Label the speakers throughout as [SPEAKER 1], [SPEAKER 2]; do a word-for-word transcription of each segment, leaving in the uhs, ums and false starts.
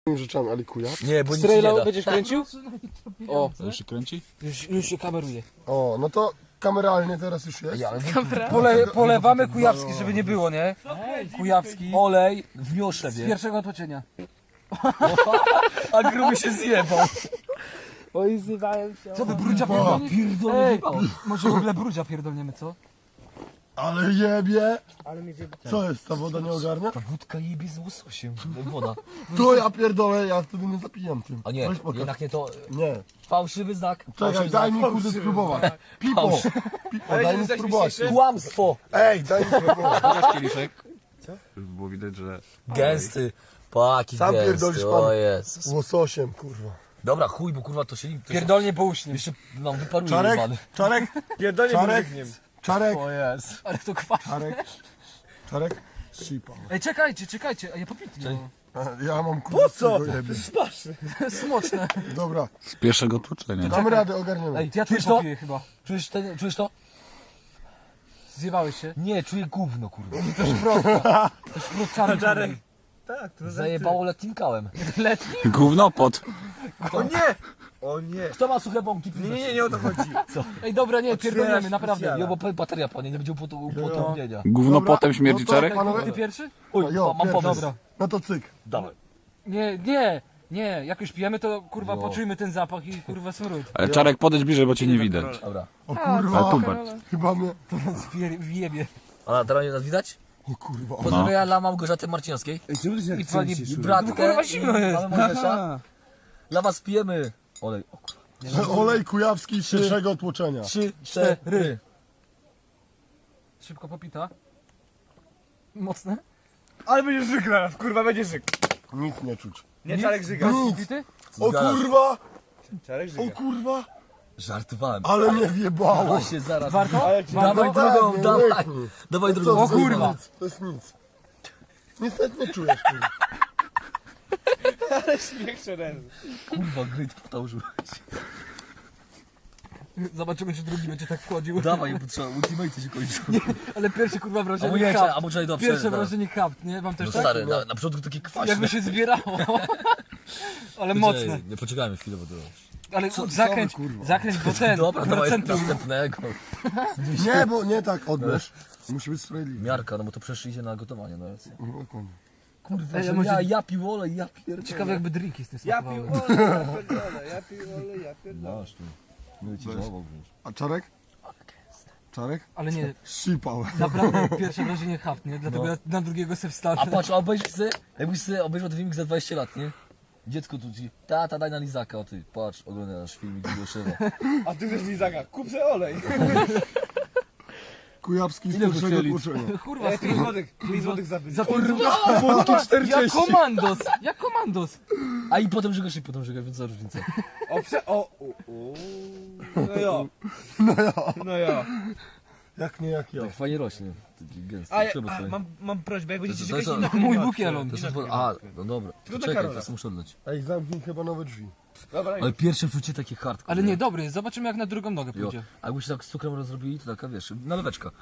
[SPEAKER 1] rzeczami, ale kuja.
[SPEAKER 2] Nie, bo nic
[SPEAKER 3] Strejla
[SPEAKER 2] nie da.
[SPEAKER 3] będziesz kręcił? O,
[SPEAKER 4] Co, już się kręci?
[SPEAKER 3] już, już się kameruje.
[SPEAKER 1] O, no to kameralnie teraz już jest.
[SPEAKER 2] Ja, ale
[SPEAKER 3] Pole, polewamy Kujawski, żeby nie było, nie? Kujawski.
[SPEAKER 2] olej w miosze,
[SPEAKER 3] Z
[SPEAKER 2] wie.
[SPEAKER 3] pierwszego otoczenia.
[SPEAKER 2] A gruby się zjebał.
[SPEAKER 3] Oj, zjebałem się. Co wy, brudzia pierdolnie?
[SPEAKER 2] Pierdolę,
[SPEAKER 3] Ej,
[SPEAKER 2] zjebał.
[SPEAKER 3] może w ogóle brudzia pierdolniemy, co?
[SPEAKER 1] Ale jebie!
[SPEAKER 3] Ale mi zjebał.
[SPEAKER 1] Co jest, ta woda nie ogarnia?
[SPEAKER 2] Ta wódka jebie z łososiem. Woda.
[SPEAKER 1] To ja pierdolę, ja wtedy nie zapijam tym.
[SPEAKER 2] A nie,
[SPEAKER 1] Weź pokaż.
[SPEAKER 2] jednak nie to.
[SPEAKER 1] Nie.
[SPEAKER 2] Fałszywy znak.
[SPEAKER 1] Czekaj, daj mi kurde spróbować. Pipo! Pipo, daj mi spróbować.
[SPEAKER 2] Kłamstwo.
[SPEAKER 1] Ej, daj mi spróbować.
[SPEAKER 4] Pokaż kieliszek. Żeby było widać, że...
[SPEAKER 2] Gęsty. Paki
[SPEAKER 1] Sam
[SPEAKER 2] gęsty.
[SPEAKER 1] pierdolisz,
[SPEAKER 2] O
[SPEAKER 1] pan.
[SPEAKER 2] Jezus.
[SPEAKER 1] Łososiem, kurwa.
[SPEAKER 2] Dobra, chuj, bo kurwa to się... To się
[SPEAKER 3] Pierdolnie po uśnie.
[SPEAKER 2] jeszcze nam wyparuje
[SPEAKER 1] Czarek?
[SPEAKER 2] jebany.
[SPEAKER 1] Czarek?
[SPEAKER 3] Pierdolnie
[SPEAKER 1] Czarek? Czarek?
[SPEAKER 2] O Jezu.
[SPEAKER 3] Ale to kwaś.
[SPEAKER 1] Czarek? Czarek? Shipa.
[SPEAKER 3] Ej, czekajcie, czekajcie, a ja popity.
[SPEAKER 1] Ja mam kurde z tego jebie.
[SPEAKER 3] Smoczne.
[SPEAKER 1] Dobra,
[SPEAKER 4] Z pierwszego tłuczenia.
[SPEAKER 1] damy radę, ogarniemy.
[SPEAKER 2] Ej,
[SPEAKER 3] Ja tu
[SPEAKER 2] czujesz to?
[SPEAKER 3] popiję chyba.
[SPEAKER 2] Czujesz, ten, czujesz to?
[SPEAKER 3] Zjebałeś się.
[SPEAKER 2] Nie, czuję gówno, kurwa.
[SPEAKER 3] Czarek.
[SPEAKER 2] Zajebało letnim kałem.
[SPEAKER 3] Letni?
[SPEAKER 4] Gównopot.
[SPEAKER 5] O nie! O nie!
[SPEAKER 2] Kto ma suche bąki?
[SPEAKER 5] Nie, nie, nie o to chodzi.
[SPEAKER 3] Ej, dobra, nie, pierdolniemy, naprawdę.
[SPEAKER 5] specjala.
[SPEAKER 2] Jo, bo p- bateria panie, nie będzie upotępienia.
[SPEAKER 4] Gównopotem śmierdzi
[SPEAKER 1] no to-
[SPEAKER 4] Czarek?
[SPEAKER 1] Panowie?
[SPEAKER 3] Ty pierwszy?
[SPEAKER 2] Oj,
[SPEAKER 1] Jo,
[SPEAKER 2] ma- mam
[SPEAKER 1] pierwszy.
[SPEAKER 2] pomysł.
[SPEAKER 3] Dobra.
[SPEAKER 1] No to cyk.
[SPEAKER 2] Dawaj.
[SPEAKER 3] Nie, nie, nie, jak już pijemy, to kurwa
[SPEAKER 2] No.
[SPEAKER 3] poczujmy ten zapach i kurwa smród.
[SPEAKER 4] Ale Czarek, podejdź bliżej, bo cię nie widać.
[SPEAKER 2] Dobra.
[SPEAKER 1] O
[SPEAKER 4] Ale
[SPEAKER 1] kurwa,
[SPEAKER 4] tu patrz.
[SPEAKER 1] chyba mnie...
[SPEAKER 3] Wjebie.
[SPEAKER 2] A teraz nas widać?
[SPEAKER 1] O kurwa.
[SPEAKER 2] Pozdrowienia dla Małgorzaty Marcinowskiej.
[SPEAKER 3] I pani
[SPEAKER 2] Bratkę.
[SPEAKER 3] kurwa zimno jest.
[SPEAKER 2] Mamy Małgosia. Dla was pijemy. Olej. O, kurwa.
[SPEAKER 1] Olej kujawski z pierwszego tłoczenia.
[SPEAKER 2] Trzy, cztery.
[SPEAKER 3] Szybko popita. Mocne.
[SPEAKER 5] Ale będziesz żyk zaraz, kurwa, będzie żyk.
[SPEAKER 1] Nic nie czuć.
[SPEAKER 5] Nie, Czarek żyga.
[SPEAKER 1] Nic.
[SPEAKER 3] Popity?
[SPEAKER 1] O
[SPEAKER 2] Zgadza.
[SPEAKER 1] kurwa!
[SPEAKER 5] Czarek
[SPEAKER 1] O
[SPEAKER 5] żyga.
[SPEAKER 1] kurwa!
[SPEAKER 2] Żartowałem.
[SPEAKER 1] Ale mnie wjebało.
[SPEAKER 2] Właśnie zaraz.
[SPEAKER 3] Warto?
[SPEAKER 5] Ale ci...
[SPEAKER 2] Dawaj
[SPEAKER 1] Tak,
[SPEAKER 2] drugą,
[SPEAKER 1] nie
[SPEAKER 2] dawaj.
[SPEAKER 1] łyknij.
[SPEAKER 2] Dawaj
[SPEAKER 1] Co,
[SPEAKER 2] drugą.
[SPEAKER 1] to
[SPEAKER 3] O kurwa.
[SPEAKER 1] jest nic, to jest nic. Niestety nie czujesz, kurwa.
[SPEAKER 5] Ale śmiech szerezy.
[SPEAKER 2] Kurwa, gryt powtórzył.
[SPEAKER 3] Zobaczymy, czy drugi będzie tak wchodził.
[SPEAKER 2] Dawaj, bo trzeba, ultimate się kończy.
[SPEAKER 3] Ale pierwsze kurwa
[SPEAKER 2] A
[SPEAKER 3] wrażenie
[SPEAKER 2] mu nie,
[SPEAKER 3] hapt.
[SPEAKER 2] a mu czekaj, dobrze.
[SPEAKER 3] Pierwsze wrażenie hapt, nie? Wam też
[SPEAKER 2] No
[SPEAKER 3] tak?
[SPEAKER 2] stary, na, na początku takie kwaśne.
[SPEAKER 3] Jakby się zbierało. Ale mocne.
[SPEAKER 2] Nie poczekajmy chwilę, bo to...
[SPEAKER 3] Ale
[SPEAKER 1] Co-
[SPEAKER 3] zakręć,
[SPEAKER 1] co wy, kurwa?
[SPEAKER 3] zakręć, bo ten,
[SPEAKER 2] Dobra, dawaj
[SPEAKER 3] procentu.
[SPEAKER 2] następnego.
[SPEAKER 1] Nie, bo nie tak odbierz. Musi być sprawiedliwy.
[SPEAKER 2] Miarka, no bo to przecież idzie na gotowanie, no jest.
[SPEAKER 1] Dokładnie.
[SPEAKER 2] Kurwa,
[SPEAKER 3] Ej,
[SPEAKER 2] że
[SPEAKER 3] a może-
[SPEAKER 2] ja, ja pił olej, ja pierdolę.
[SPEAKER 3] Ciekawe jakby drinki z tym
[SPEAKER 5] Ja
[SPEAKER 3] smakowały.
[SPEAKER 5] pił olej, ja pierdolę, ja pił olej, ja pierdolę.
[SPEAKER 2] Masz tu. Nie ci żałował, wiesz.
[SPEAKER 1] A Czarek? Czarek?
[SPEAKER 3] Ale nie,
[SPEAKER 1] Sipał.
[SPEAKER 3] naprawdę pierwsze wrażenie hapt, nie? Dlatego
[SPEAKER 2] No.
[SPEAKER 3] ja na drugiego se wstanę.
[SPEAKER 2] A patrz, a obejrzyj sobie, jakbyś sobie obejrzał ten filmik za dwadzieścia lat, nie? Dziecko tu ci, tata daj na lizaka, o ty, patrz, oglądasz filmik Goszewa.
[SPEAKER 5] A ty też Lizaga, kup se olej.
[SPEAKER 1] Kujawski z
[SPEAKER 2] Ile
[SPEAKER 1] pierwszego
[SPEAKER 2] wychylić?
[SPEAKER 1] tłoczenia.
[SPEAKER 3] Kurwa,
[SPEAKER 5] Ej, pięć złotych, pięć złotych za
[SPEAKER 3] za
[SPEAKER 5] pięć.
[SPEAKER 3] Jak komandos, jak komandos.
[SPEAKER 2] A i potem żygasz i potem żygasz, więc za różnica.
[SPEAKER 5] O, prze... O, o, o. No jo. No jo. No jo.
[SPEAKER 1] Jak nie jak ja.
[SPEAKER 2] Tak fajnie rośnie, taki gęsty.
[SPEAKER 5] A, ja,
[SPEAKER 2] Trzeba
[SPEAKER 5] a
[SPEAKER 2] sobie.
[SPEAKER 5] mam, mam prośbę, jak będziecie
[SPEAKER 2] to jest-
[SPEAKER 5] czekać
[SPEAKER 2] to-
[SPEAKER 5] inna
[SPEAKER 3] Mój
[SPEAKER 5] klimatka.
[SPEAKER 3] bukielon.
[SPEAKER 2] To
[SPEAKER 5] Inna
[SPEAKER 2] jest,
[SPEAKER 5] klimatka.
[SPEAKER 2] a, no dobra,
[SPEAKER 5] Tylko do
[SPEAKER 2] czekaj,
[SPEAKER 5] Karola.
[SPEAKER 2] teraz muszę oddać.
[SPEAKER 1] Ej, zamknij chyba nowe drzwi.
[SPEAKER 5] Dobra,
[SPEAKER 2] Ale pierwsze wczucie takie hardcore.
[SPEAKER 3] Ale nie, dobry jest, zobaczymy jak na drugą nogę
[SPEAKER 2] Jo.
[SPEAKER 3] pójdzie.
[SPEAKER 2] A jakbyście tak z cukrem rozrobili, to taka, wiesz, naleweczka.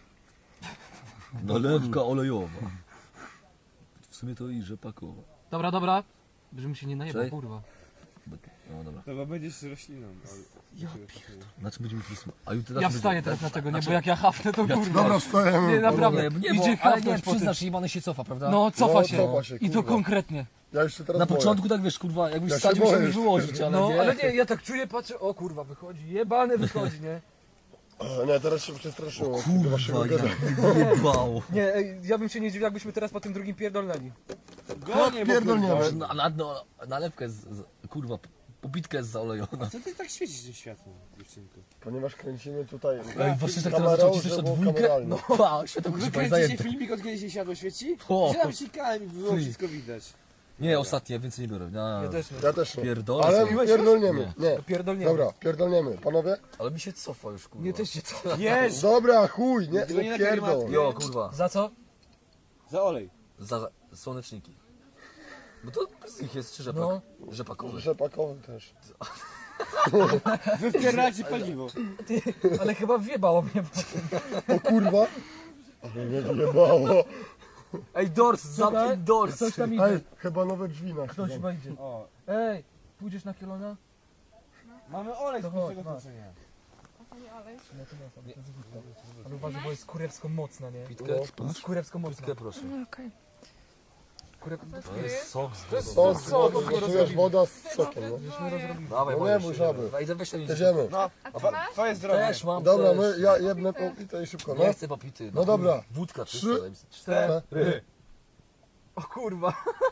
[SPEAKER 2] Nalewka olejowa. W sumie to i rzepakowa.
[SPEAKER 3] Dobra, dobra. Żebym się nie najebał,
[SPEAKER 2] Czekaj.
[SPEAKER 3] kurwa.
[SPEAKER 2] No dobra.
[SPEAKER 5] Dobra, będziesz rośliną. Ja
[SPEAKER 2] Na czym będziemy mieli A jutro
[SPEAKER 3] Ja wstaję teraz na tego, nie? Bo jak ja hafnę, to kurwa.
[SPEAKER 1] Dobra,
[SPEAKER 3] Nie,
[SPEAKER 1] wstajemy.
[SPEAKER 3] naprawdę.
[SPEAKER 2] Nie, nie, bo,
[SPEAKER 3] Idzie
[SPEAKER 2] ale nie,
[SPEAKER 3] hafnąć po tym.
[SPEAKER 2] przyznasz, jebany się cofa, prawda?
[SPEAKER 3] No, cofa
[SPEAKER 1] No,
[SPEAKER 3] się.
[SPEAKER 1] cofa się,
[SPEAKER 3] I to
[SPEAKER 1] kurwa.
[SPEAKER 3] konkretnie.
[SPEAKER 1] Ja już się teraz
[SPEAKER 2] Na
[SPEAKER 1] boję.
[SPEAKER 2] początku tak wiesz, kurwa, jakbyś
[SPEAKER 1] Ja się
[SPEAKER 2] wsadził się
[SPEAKER 1] boję
[SPEAKER 2] nie
[SPEAKER 1] już.
[SPEAKER 2] wyłożyć, ale
[SPEAKER 3] No,
[SPEAKER 2] nie.
[SPEAKER 3] ale nie, ja tak czuję, patrzę, o kurwa, wychodzi, jebany wychodzi, nie?
[SPEAKER 1] A, nie, teraz się przestraszyło. Do waszego
[SPEAKER 2] Kurwa,
[SPEAKER 1] gada.
[SPEAKER 2] jak jebało.
[SPEAKER 3] Nie, ej, ja bym się nie dziwił, jakbyśmy teraz po tym drugim pierdolnęli.
[SPEAKER 5] Gonie,
[SPEAKER 1] Pierdolniemy.
[SPEAKER 2] Na, na, no, nalewka jest, z- kurwa, pobitka jest zaolejona.
[SPEAKER 5] Co ty tak świecisz tym światłem, dziewczynko?
[SPEAKER 1] Ponieważ kręcimy tutaj
[SPEAKER 2] Ej, właśnie tak teraz
[SPEAKER 1] kamerą,
[SPEAKER 2] zaczął cisnąć
[SPEAKER 1] żeby
[SPEAKER 2] na
[SPEAKER 1] było
[SPEAKER 2] dwójkę.
[SPEAKER 1] kameralnie.
[SPEAKER 2] No, pa, światło
[SPEAKER 5] Wy
[SPEAKER 2] kurwa
[SPEAKER 5] kręcicie
[SPEAKER 2] zajęte.
[SPEAKER 5] filmik, od kiedy się światło świeci?
[SPEAKER 2] O.
[SPEAKER 5] Się tam sikałem i było wszystko widać.
[SPEAKER 2] Nie, ostatnie, więcej nie biorę. No,
[SPEAKER 3] Ja też nie.
[SPEAKER 1] Ja też nie.
[SPEAKER 2] Pierdolę
[SPEAKER 1] Ale
[SPEAKER 2] sobie.
[SPEAKER 1] pierdolniemy. Nie.
[SPEAKER 3] Pierdolniemy.
[SPEAKER 1] Dobra, pierdolniemy. Panowie?
[SPEAKER 2] Ale mi się cofa już, kurwa.
[SPEAKER 3] Nie, też się co?
[SPEAKER 5] Jeż!
[SPEAKER 1] Dobra, chuj, nie,
[SPEAKER 5] Tylko nie
[SPEAKER 1] nie
[SPEAKER 5] na
[SPEAKER 1] pierdol.
[SPEAKER 5] klimatkę.
[SPEAKER 2] Jo, kurwa,
[SPEAKER 3] Za co?
[SPEAKER 5] Za olej.
[SPEAKER 2] za słoneczniki. Bo to z nich jest rzepak.
[SPEAKER 3] No.
[SPEAKER 2] Rzepakowy.
[SPEAKER 1] Rzepakowy też.
[SPEAKER 5] Wypieracie paliwo.
[SPEAKER 3] Ale chyba wjebało mnie.
[SPEAKER 1] O kurwa. Ale mnie wyjebało.
[SPEAKER 2] Ej, dors, zamknij dors.
[SPEAKER 3] Coś tam idzie.
[SPEAKER 1] Ej, chyba nowe drzwi na
[SPEAKER 3] Ktoś chyba idzie.
[SPEAKER 5] O,
[SPEAKER 3] Ej, pójdziesz na kielona?
[SPEAKER 5] mamy olej z
[SPEAKER 3] To chodź,
[SPEAKER 5] pierwszego
[SPEAKER 3] masz.
[SPEAKER 5] tłoczenia.
[SPEAKER 3] Nie, to nie są, to jest wódka. Ale uważaj, bo jest kurewsko mocna, nie?
[SPEAKER 2] Pitkę,
[SPEAKER 3] Jest kurewsko mocna.
[SPEAKER 2] pitkę proszę.
[SPEAKER 6] Okej.
[SPEAKER 3] Kurew...
[SPEAKER 2] To jest sok z
[SPEAKER 3] To jest
[SPEAKER 2] wodą.
[SPEAKER 1] To z
[SPEAKER 3] sok,
[SPEAKER 1] wody,
[SPEAKER 3] dopiero
[SPEAKER 1] czujesz
[SPEAKER 3] zrobili.
[SPEAKER 1] woda z sokiem, no.
[SPEAKER 3] Żeśmy rozrobili.
[SPEAKER 2] Dawaj,
[SPEAKER 1] No
[SPEAKER 2] możesz
[SPEAKER 1] nie,
[SPEAKER 2] się.
[SPEAKER 1] bo żaby.
[SPEAKER 2] Dawaj, weź ten
[SPEAKER 1] Jedziemy.
[SPEAKER 5] No,
[SPEAKER 6] A
[SPEAKER 5] twa-
[SPEAKER 6] ty masz?
[SPEAKER 5] twoje zdrowie.
[SPEAKER 2] Też mam,
[SPEAKER 1] Dobra,
[SPEAKER 2] też.
[SPEAKER 1] my, ja jednę popite i szybko, no.
[SPEAKER 2] Nie chcę popity.
[SPEAKER 1] No dobra.
[SPEAKER 2] Wódka
[SPEAKER 1] Trzy.
[SPEAKER 2] czysta. daj mi-
[SPEAKER 5] Cztery.
[SPEAKER 3] O kurwa.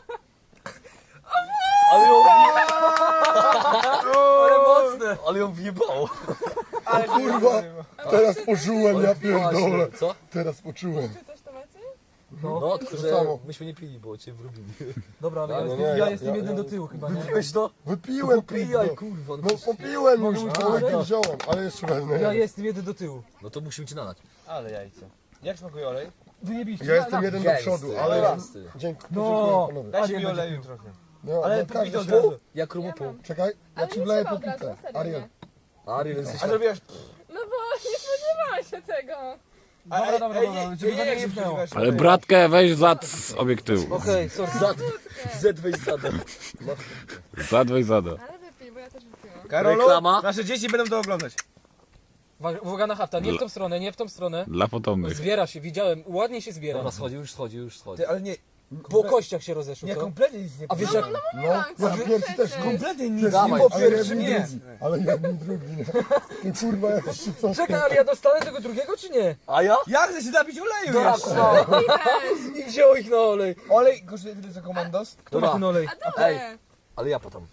[SPEAKER 2] Ale ją wjebało. Ale mocne. Ale ją wjebało.
[SPEAKER 5] Ale
[SPEAKER 1] Kurwa, teraz poczułem, ja pierdolę.
[SPEAKER 2] Co?
[SPEAKER 1] Teraz poczułem.
[SPEAKER 6] Ty też to macie?
[SPEAKER 2] No, tylko
[SPEAKER 1] To
[SPEAKER 2] że
[SPEAKER 1] samo.
[SPEAKER 2] myśmy nie pili, bo cię wrobili.
[SPEAKER 3] Dobra, ale
[SPEAKER 1] No,
[SPEAKER 3] ja
[SPEAKER 1] no
[SPEAKER 3] jestem,
[SPEAKER 1] nie,
[SPEAKER 3] ja
[SPEAKER 1] ja-
[SPEAKER 3] jestem
[SPEAKER 1] ja-
[SPEAKER 3] jeden
[SPEAKER 1] ja-
[SPEAKER 3] do tyłu chyba, nie?
[SPEAKER 2] Wypiłeś to?
[SPEAKER 1] Wypiłem,
[SPEAKER 2] Popijaj,
[SPEAKER 1] pizdo.
[SPEAKER 2] kurwa.
[SPEAKER 1] No popiłem już,
[SPEAKER 3] Mogę
[SPEAKER 1] ale
[SPEAKER 3] już
[SPEAKER 1] nie wziąłem, ale jeszcze wezmę.
[SPEAKER 3] Ja jestem jeden do tyłu.
[SPEAKER 2] No to musimy cię nalać.
[SPEAKER 5] Ale jajco. Jak smakuje olej?
[SPEAKER 3] Wyjebiście.
[SPEAKER 1] Ja jestem jeden do przodu, ale...
[SPEAKER 2] Gęsty.
[SPEAKER 1] Dziękuję,
[SPEAKER 3] No.
[SPEAKER 1] panowie.
[SPEAKER 5] Dajcie
[SPEAKER 3] Ariel
[SPEAKER 5] mi
[SPEAKER 3] będzie
[SPEAKER 5] oleju
[SPEAKER 3] pił.
[SPEAKER 5] trochę.
[SPEAKER 1] No,
[SPEAKER 5] Ale
[SPEAKER 1] no,
[SPEAKER 5] popij
[SPEAKER 1] każdy
[SPEAKER 5] od
[SPEAKER 1] się-
[SPEAKER 5] razu.
[SPEAKER 2] Jak rumupą.
[SPEAKER 1] Czekaj, ja
[SPEAKER 6] Ale
[SPEAKER 1] ci
[SPEAKER 6] nie
[SPEAKER 1] wleję
[SPEAKER 6] trzeba od razu,
[SPEAKER 1] popitę.
[SPEAKER 6] serio,
[SPEAKER 1] Ariel.
[SPEAKER 6] nie.
[SPEAKER 2] Ariel, jesteś...
[SPEAKER 5] A zrobiłaś...
[SPEAKER 6] No bo nie spodziewałam się tego.
[SPEAKER 3] Dobra, dobra, dobra, żeby to nie
[SPEAKER 5] się
[SPEAKER 3] jebnęło.
[SPEAKER 5] spodziewasz?
[SPEAKER 4] Ale bratkę weź zad z obiektywu.
[SPEAKER 3] Okej, sorry.
[SPEAKER 2] Zad... Zed weź zadem.
[SPEAKER 4] Zad weź zada.
[SPEAKER 6] Ale wypij, bo ja też wypiłam.
[SPEAKER 5] Karolu,
[SPEAKER 2] Reklama.
[SPEAKER 5] nasze dzieci będą to oglądać.
[SPEAKER 3] Uwaga- Uwaga na hafta, nie w tą stronę, nie w tą stronę.
[SPEAKER 4] Dla potomnych.
[SPEAKER 3] Zbiera się, widziałem, ładnie się zbiera.
[SPEAKER 2] Dobra, schodzi, już schodzi, już schodzi.
[SPEAKER 5] Ty, ale nie,
[SPEAKER 3] Po kościach się rozeszło,
[SPEAKER 5] nie
[SPEAKER 3] co?
[SPEAKER 5] kompletnie nic nie
[SPEAKER 3] A wiesz jak...
[SPEAKER 1] No, ja pierwszy też nie.
[SPEAKER 5] Kompletnie nic
[SPEAKER 2] Dawaj.
[SPEAKER 5] nie
[SPEAKER 1] Ale
[SPEAKER 5] pierwszy
[SPEAKER 1] jeden
[SPEAKER 5] nie.
[SPEAKER 1] drugi. Ale jeden drugi, nie. Ty kurwa, jak się co?
[SPEAKER 3] Czekaj, ale ja dostanę tego drugiego, czy nie?
[SPEAKER 2] A ja?
[SPEAKER 5] Ja chcę się napić oleju
[SPEAKER 3] Dobra,
[SPEAKER 5] jeszcze.
[SPEAKER 3] I wziął ich na olej.
[SPEAKER 5] Olej kosztuje tyle co komandos?
[SPEAKER 3] Kto ma
[SPEAKER 2] Dobra.
[SPEAKER 3] ten olej?
[SPEAKER 2] Ej, ale ja potem.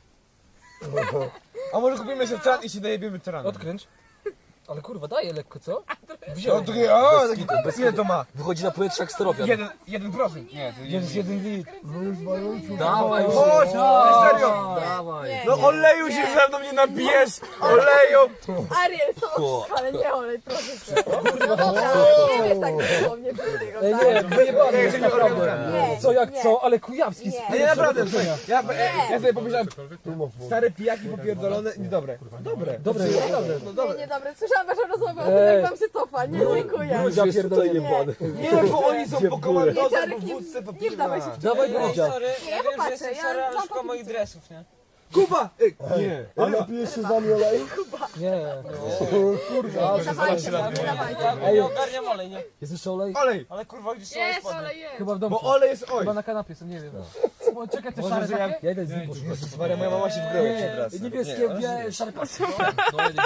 [SPEAKER 5] A może kupimy sobie tran i się najebiemy tranem?
[SPEAKER 3] Odkręć. Ale kurwa, daje lekko, co?
[SPEAKER 5] No
[SPEAKER 3] Wziął.
[SPEAKER 5] to o,
[SPEAKER 2] Bez kitu, bez
[SPEAKER 5] ile to ma?
[SPEAKER 2] Wychodzi na powietrze jak steropian.
[SPEAKER 5] Jeden, jeden procent. Nie, to
[SPEAKER 3] Jest jeden litr.
[SPEAKER 1] No już waląciu.
[SPEAKER 2] Dawaj,
[SPEAKER 5] Chodź,
[SPEAKER 2] dawaj,
[SPEAKER 5] serio.
[SPEAKER 2] Dawaj.
[SPEAKER 6] Nie,
[SPEAKER 5] No
[SPEAKER 6] nie.
[SPEAKER 5] oleju się ze mną nie napijesz! Oleju!
[SPEAKER 6] Ariel,
[SPEAKER 2] O.
[SPEAKER 6] to ale nie olej, proszę cię. No dobra, nie wiesz tak dosłownie tego,
[SPEAKER 3] Ej,
[SPEAKER 6] tak?
[SPEAKER 3] nie, wyjebany
[SPEAKER 5] Nie,
[SPEAKER 3] jest
[SPEAKER 5] nie,
[SPEAKER 3] naprawdę.
[SPEAKER 6] nie,
[SPEAKER 3] Co jak
[SPEAKER 6] nie.
[SPEAKER 3] co, ale Kujawski
[SPEAKER 6] Nie.
[SPEAKER 3] z
[SPEAKER 5] Nie, naprawdę,
[SPEAKER 3] pierwszego
[SPEAKER 5] ja,
[SPEAKER 3] wrażenia.
[SPEAKER 5] ja, ja sobie pomyślałem,
[SPEAKER 1] Tu masz wodę.
[SPEAKER 5] stare pijaki popierdolone, niedobre. Dobre.
[SPEAKER 3] Dobre, naprawdę.
[SPEAKER 6] Nie, nie, dobra, słyszałam waszą rozmowę o tym,
[SPEAKER 3] Ej.
[SPEAKER 6] jak wam się cofa. Nie, dziękuję.
[SPEAKER 3] Brudzia
[SPEAKER 2] Jest tutaj
[SPEAKER 3] pierdolony.
[SPEAKER 2] jebany.
[SPEAKER 5] Nie, bo oni są po komandosach,
[SPEAKER 6] Czarek,
[SPEAKER 5] po
[SPEAKER 6] nie-
[SPEAKER 5] wódce, po
[SPEAKER 6] nie wdawaj się
[SPEAKER 5] piwa.
[SPEAKER 6] w
[SPEAKER 3] Dawaj Brudzia.
[SPEAKER 6] Nie, ja popatrzę, ja mam po moich dresów.
[SPEAKER 5] Kuba! Ej, nie.
[SPEAKER 1] A napijesz się z nami oleju?
[SPEAKER 3] Nie.
[SPEAKER 1] Kurwa.
[SPEAKER 6] Dawajcie, dawajcie.
[SPEAKER 3] Ej,
[SPEAKER 7] Ogarniam olej, nie?
[SPEAKER 3] jest jeszcze olej?
[SPEAKER 5] Olej!
[SPEAKER 7] Ale kurwa, gdzieś
[SPEAKER 6] Jest, ale jest.
[SPEAKER 3] Chyba w domu.
[SPEAKER 5] Bo olej jest oj.
[SPEAKER 3] Chyba na kanapie są, nie wiem. O, czekaj, te
[SPEAKER 5] Może,
[SPEAKER 3] szare
[SPEAKER 5] że ja-
[SPEAKER 3] takie? Ja idę z nim poszukać.
[SPEAKER 5] Maria, moja mama się w grę
[SPEAKER 3] Nie,
[SPEAKER 5] przewraca.
[SPEAKER 3] niebieskie, białe, szare pasy.
[SPEAKER 2] No jedę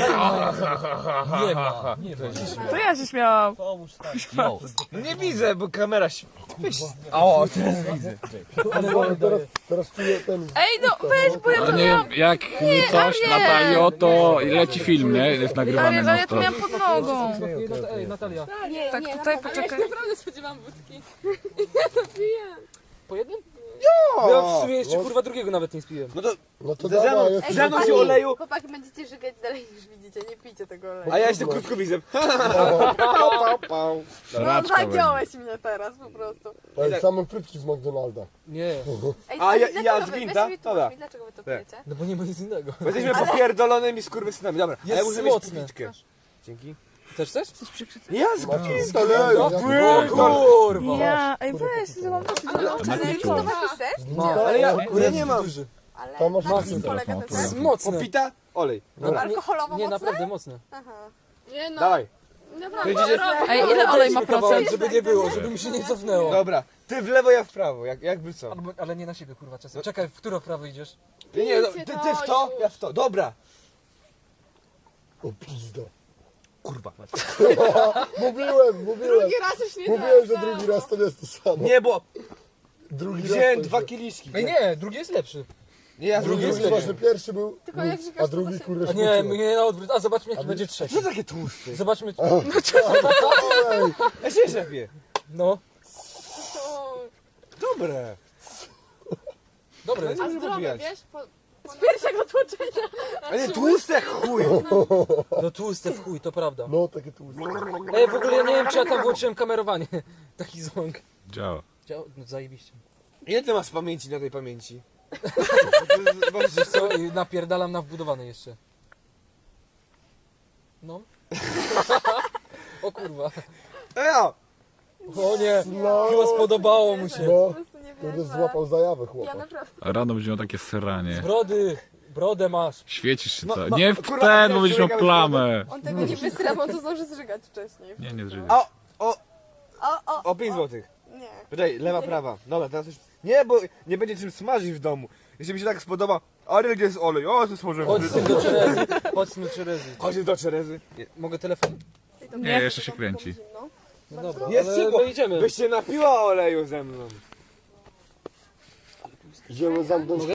[SPEAKER 3] Nie ma, nie ma.
[SPEAKER 6] To ja się śmiałam.
[SPEAKER 7] Pomóż, tak.
[SPEAKER 2] No.
[SPEAKER 5] No nie widzę, bo kamera się... O, teraz widzę.
[SPEAKER 3] Ale
[SPEAKER 1] Ale
[SPEAKER 3] wolę
[SPEAKER 1] teraz, teraz czuję ten...
[SPEAKER 6] Ej, no weź, bo ja
[SPEAKER 4] Ale nie, jak coś, Natalio, to leci film, nie? Jest nagrywany na to.
[SPEAKER 6] pod nogą.
[SPEAKER 3] Ej, Natalia,
[SPEAKER 6] Nie, tak, nie, tutaj poczekaj. Ja się naprawdę spodziewałam wódki. Ja to piję.
[SPEAKER 3] po jednym? Ja w sumie jeszcze kurwa drugiego nawet nie spiłem.
[SPEAKER 5] No to
[SPEAKER 1] No to
[SPEAKER 5] Ze mną-
[SPEAKER 1] dawaj, jest...
[SPEAKER 5] ze mną się oleju,
[SPEAKER 6] Chłopaki, będziecie żygać dalej niż widzicie, nie pijcie tego oleju.
[SPEAKER 5] a ja jestem krótkowizem. Pał, pał, pał.
[SPEAKER 6] No
[SPEAKER 4] Raczka będzie.
[SPEAKER 6] zagiąłeś mnie teraz po prostu.
[SPEAKER 1] Ej, same frytki z McDonalda.
[SPEAKER 3] Nie,
[SPEAKER 6] Ej,
[SPEAKER 5] A
[SPEAKER 6] słuchaj,
[SPEAKER 5] ja-
[SPEAKER 6] dlaczego
[SPEAKER 5] ja
[SPEAKER 6] wy-
[SPEAKER 5] z
[SPEAKER 6] weź
[SPEAKER 5] gwinta?
[SPEAKER 6] mi
[SPEAKER 5] To
[SPEAKER 6] tłumacz
[SPEAKER 5] da.
[SPEAKER 6] mi, dlaczego wy to
[SPEAKER 5] Tak.
[SPEAKER 6] pijecie?
[SPEAKER 3] no bo nie ma nic innego.
[SPEAKER 5] Bo jesteśmy popierdolonymi skurwysynami. Dobra, a ja
[SPEAKER 3] Jest
[SPEAKER 5] muszę mieć
[SPEAKER 3] mocne.
[SPEAKER 5] pitkę. Dzięki.
[SPEAKER 3] Chcesz coś?
[SPEAKER 5] Ja z
[SPEAKER 1] Oleju,
[SPEAKER 3] Kurwa.
[SPEAKER 6] Ja, ej weź, to mam dosyć. Ale to masz ser?
[SPEAKER 5] Ale ja, ja nie mam.
[SPEAKER 6] Ale
[SPEAKER 1] Tam masz
[SPEAKER 6] na czym
[SPEAKER 1] masę.
[SPEAKER 6] polega ten
[SPEAKER 3] To
[SPEAKER 6] ser?
[SPEAKER 3] jest mocne.
[SPEAKER 5] Popita? Olej.
[SPEAKER 3] Dobra, nie,
[SPEAKER 6] Alkoholowo
[SPEAKER 3] nie,
[SPEAKER 6] mocne?
[SPEAKER 3] naprawdę mocne.
[SPEAKER 6] Aha. Nie no,
[SPEAKER 5] Dawaj.
[SPEAKER 6] naprawdę.
[SPEAKER 5] Widzicie?
[SPEAKER 6] Ej, ile olej ma
[SPEAKER 3] Kawałek,
[SPEAKER 6] procent?
[SPEAKER 3] żeby nie było, żeby mi się nie cofnęło.
[SPEAKER 5] Dobra, ty w lewo, ja w prawo, jak, jakby co.
[SPEAKER 3] Albo, ale nie na siebie kurwa czasem. Czekaj, w którą prawo idziesz?
[SPEAKER 5] Nie, nie, no, ty, ty w to, ja w to. Dobra.
[SPEAKER 1] O pizdo.
[SPEAKER 5] Kurwa.
[SPEAKER 1] Mówiłem, mówiłem.
[SPEAKER 6] Drugi raz już nie
[SPEAKER 1] Mówiłem, że
[SPEAKER 6] tak,
[SPEAKER 1] drugi
[SPEAKER 6] no.
[SPEAKER 1] raz to nie jest to samo.
[SPEAKER 5] Nie, bo
[SPEAKER 1] Drugi raz
[SPEAKER 5] wziąłem
[SPEAKER 1] to
[SPEAKER 5] dwa
[SPEAKER 1] jest-
[SPEAKER 5] kieliszki.
[SPEAKER 3] Ej nie, drugi jest lepszy.
[SPEAKER 5] Nie, ja
[SPEAKER 1] Drugi
[SPEAKER 5] drugi
[SPEAKER 1] jest
[SPEAKER 5] jest
[SPEAKER 1] ważny, pierwszy był
[SPEAKER 6] Tylko jak
[SPEAKER 1] nic,
[SPEAKER 6] żygasz,
[SPEAKER 1] a
[SPEAKER 6] to
[SPEAKER 1] drugi
[SPEAKER 6] się-
[SPEAKER 1] kurde
[SPEAKER 3] A nie, nie na odwrót. A zobaczmy jaki będzie trzeci.
[SPEAKER 5] Co takie tłusty?
[SPEAKER 3] Zobaczmy.
[SPEAKER 1] Ej,
[SPEAKER 5] Ja się jeszcze piję.
[SPEAKER 3] No,
[SPEAKER 6] To-
[SPEAKER 5] Dobre.
[SPEAKER 3] dobre.
[SPEAKER 6] A
[SPEAKER 5] Nie
[SPEAKER 6] zdrowe,
[SPEAKER 5] popijać.
[SPEAKER 6] wiesz? Po... Z pierwszego tłoczenia.
[SPEAKER 5] A nie, tłuste jak chuj.
[SPEAKER 3] No tłuste w chuj, to prawda.
[SPEAKER 1] no takie tu.
[SPEAKER 3] Ej, w ogóle ja nie wiem czy ja tam włączyłem kamerowanie. Taki ząg.
[SPEAKER 4] Działa.
[SPEAKER 3] Działa, no zajebiście.
[SPEAKER 5] Ile ty masz pamięci na tej pamięci? Bo to jest-
[SPEAKER 3] Wiesz co, i napierdalam na wbudowane jeszcze. No. O kurwa.
[SPEAKER 5] Ej, o,
[SPEAKER 3] O nie, chyba spodobało mu się.
[SPEAKER 1] No,
[SPEAKER 6] Po prostu nie
[SPEAKER 1] kurde,
[SPEAKER 6] wierzę.
[SPEAKER 1] złapał zajawę
[SPEAKER 6] Ja
[SPEAKER 1] chłopak.
[SPEAKER 6] naprawdę.
[SPEAKER 4] Rano będzie miał takie sranie.
[SPEAKER 3] Brody, brodę masz.
[SPEAKER 4] Świecisz się
[SPEAKER 5] No,
[SPEAKER 4] co?
[SPEAKER 5] no,
[SPEAKER 4] Nie w
[SPEAKER 5] kurwa,
[SPEAKER 4] ten,
[SPEAKER 5] nie,
[SPEAKER 4] bo będziesz miał
[SPEAKER 5] człowieka
[SPEAKER 4] plamę.
[SPEAKER 6] On tego nie wysra, bo on to zdąży zżygać wcześniej.
[SPEAKER 4] Nie, nie zżyj.
[SPEAKER 5] O, o,
[SPEAKER 6] O, o,
[SPEAKER 5] o pięć złotych.
[SPEAKER 6] nie.
[SPEAKER 5] Poczekaj, lewa, prawa. Dobra, teraz już... Nie, bo nie będzie czym smażyć w domu. Jeśli mi się tak spodoba, Ariel, gdzie jest olej? O, to smażyłem.
[SPEAKER 3] Chodź z tym do Czerezy. Chodź z tym do Czerezy.
[SPEAKER 5] Chodź do Czerezy.
[SPEAKER 3] Nie, mogę telefon?
[SPEAKER 4] Nie, jeszcze się kręci.
[SPEAKER 6] Zimno.
[SPEAKER 3] No dobra,
[SPEAKER 5] Jest
[SPEAKER 3] ale
[SPEAKER 5] ciepło.
[SPEAKER 3] my idziemy.
[SPEAKER 5] Byś się napiła oleju ze mną.
[SPEAKER 1] Idziemy zamknąć